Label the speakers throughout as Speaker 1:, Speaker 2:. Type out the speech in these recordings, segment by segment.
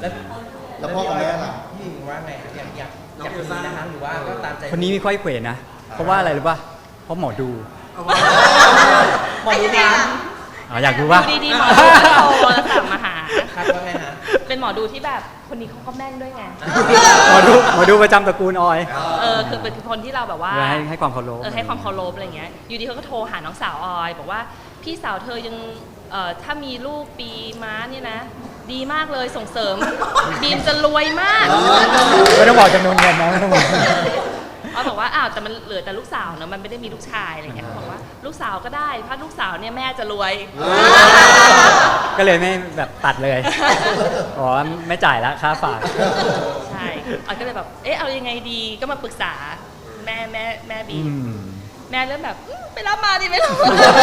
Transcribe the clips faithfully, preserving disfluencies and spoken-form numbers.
Speaker 1: แล้ว
Speaker 2: แล้วพ่อกับแม่ล่ะ
Speaker 1: พี่หญิงว่าไงอยากอยากอยากมีนะคะหรือว่าก็ตามใจ
Speaker 3: คนนี้มีค่อยเขวนะ เพราะว่าอะไรรู้ป่ะ เพราะหมอดู
Speaker 1: หมอดูถาม
Speaker 3: อ๋ออยากดูป่ะ
Speaker 4: ดูดีๆหมอดูก็โทรสั่งมาหา
Speaker 1: ครับว่าไงฮะ
Speaker 4: เป็นหมอดูที่แบบคนนี้เขาก็แม่นด้วยไง
Speaker 3: หมอดูหมอดูประจำตระกูลออย
Speaker 4: เออคือเป็นคนที่เราแบบว่า
Speaker 3: ให้ให้ความเคารพ
Speaker 4: เออให้ความเคารพอะไรเงี้ยอยู่ดีเขาก็โทรหาน้องสาวออยบอกว่าพี่สาวเธอยังเอ่อถ้ามีลูกปีม้าเนี่ยนะ ดีมากเลยส่งเสริม บีมจะรวยมาก
Speaker 3: ไม่ต้องบอกจำนวนเงินนะไม่ต้องบอก
Speaker 4: ออยบอกว่าอ้าวแต่มันเหลือแต่ลูกสาวเนอะมันไม่ได้มีลูกชายอะไรเงี้ยเขาบอกว่าลูกสาวก็ได้ถ้าลูกสาวเนี่ยแม่จะรวย
Speaker 3: ก็เลยไม่แบบตัดเลย อ๋อไม่จ่ายแล้วค่าฝาก
Speaker 4: ใช่ออยก็เลยแบบเอ๊ะเอายังไงดีก็มาปรึกษาแม่แม่แม่บี
Speaker 3: อื
Speaker 4: ม
Speaker 3: ม
Speaker 4: แม่เริ่มแบบอืมไปรับมาดิไม่รู้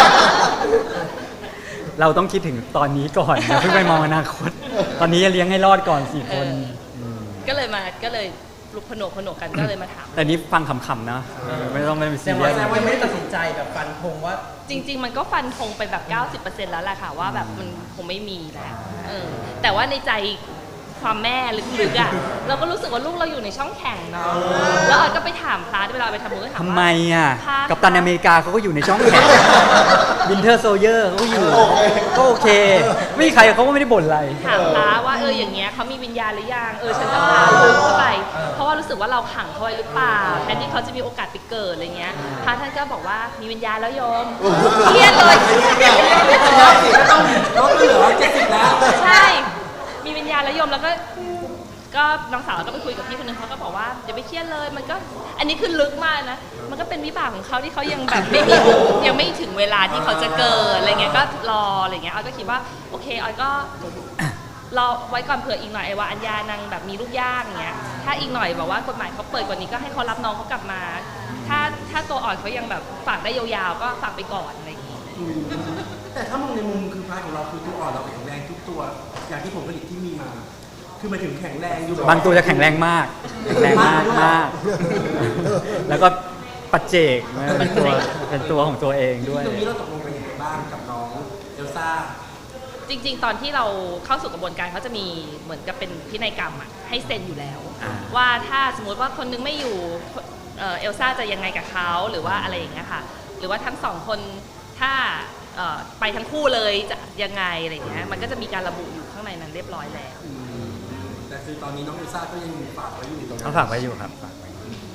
Speaker 3: เราต้องคิดถึงตอนนี้ก่อนอย่าเพิ่งไปมองอนาคต ตอนนี้จะเลี้ยงให้รอดก่อนสี่คน
Speaker 4: เออ
Speaker 3: ม
Speaker 4: ก็เลยมาก็เลยลุกผนวกผนวกกันก็เลยมาถาม
Speaker 3: แต่นี้ฟังขำๆนะ ไม่ต้องไม่ต้อง
Speaker 1: แส
Speaker 3: ซี
Speaker 1: ดง
Speaker 3: เรี
Speaker 1: ว่าย
Speaker 3: ส
Speaker 1: แสดงว่ายังไม่ได้ตัดสินใจแบบฟันธงว่า
Speaker 4: จริง ๆ มันก็ฟันธงไปแบบ เก้าสิบเปอร์เซ็นต์ แล้วแหละค่ะว่าแบบมันคงไม่มีแล้วเออแต่ว่าในใจความแม่ลึกๆอ่ะเราก็รู้สึกว่าลูกเราอยู่ในช่องแข่งเนาะแล้วออยก็ไปถามพระเวลาไปทำบุญก็ถาม
Speaker 3: ทำ
Speaker 4: ว่า
Speaker 3: ไมอ่ะ
Speaker 4: พา
Speaker 3: กัปตันอเมริกาเขาก็อยู่ในช่องแข่งวินเทอร์โซเยอร์เขาก็อยู่ ก็โอเค ไม่มีใครเขาก็ไม่ได้บ่นอะไร
Speaker 4: ถามพระว่าเอออย่างเงี้ยเขามีวิญญาณหรือยังเออฉันจะพาลูกเข้าไป เพราะว่ารู้สึกว่าเราขังเขาไว้หรือเปล่าแทนที่เขาจะมีโอกาสไปเกิดอะไรเงี้ยพระท่านก็บอกว่ามีวิญญาณแล้วโยมเครียดเลย
Speaker 5: ลดเหลือเจ็ดสิบแล้ว
Speaker 4: ใช่ มีวิญญาณแล้วโยมแล้วก็ก็น้องสาวก็ไปคุยกับพี่คนนึงเขาก็บอกว่าอย่าไปเครียดเลยมันก็อันนี้คือลึกมากนะมันก็เป็นวิบากของเขาที่เขายังแบบไม่มียังไม่ถึงเวลาที่เขาจะเกิดอะไรเงี้ยก็รออะไรเงี้ยออยก็คิดว่าโอเคออยก็รอไว้ก่อนเผื่ออีกหน่อยไอ้ว่าอัญญานางแบบมีลูกยากอย่างเงี้ยถ้าอีกหน่อยแบบว่ากฎหมายเขาเปิดกว่านี้ก็ให้เขารับน้องเขากลับมา ถ้าถ้าตัวอ่อนเขายังแบบฝากได้ยาวๆก็ฝากไปก่อนอะไรอย่างงี้
Speaker 5: แต่ถ้ามองในมุมคือพาร์ทของเราคือตัวอ่อนเราแข็งแรงทุกตัว อย่างที่ผมผลิตที่มีมา คือหมายถึงแข็งแรงอยู่แบบ
Speaker 3: บางตัวจะแข็งแรงมาก แข็งแรงมากมาก แล้วก็ปัจเจกเป็นตัวเป็นตัวของตัวเองด้วย
Speaker 5: ตรงนี้เราตกลงกันยังไงบ้างกับน้องเอลซ่า
Speaker 4: จริงๆ ตอนที่เราเข้าสู่กระบวนการเขาจะมีเหมือนกับเป็นพินัยกรรมอะให้เซ็นอยู่แล้ว
Speaker 3: อ่า
Speaker 4: ว่าถ้าสมมติว่าคนนึงไม่อยู่เอ่อเอลซ่าจะยังไงกับเขาหรือว่าอะไรอย่างเงี้ยค่ะหรือว่าทั้งสองคนถ้าเอ่อไปทั้งคู่เลยจะยังไงอะไรอย่างเงี้ยมันก็จะมีการระบุอยู่ข้างในนั้นเรียบร้อยแล้ว
Speaker 5: แต่คือตอนนี้น้องเอลซ่าก็ยังฝากไว้อยู่ตรงนั้น
Speaker 3: เขาฝากไว้อยู่ครับฝากไว้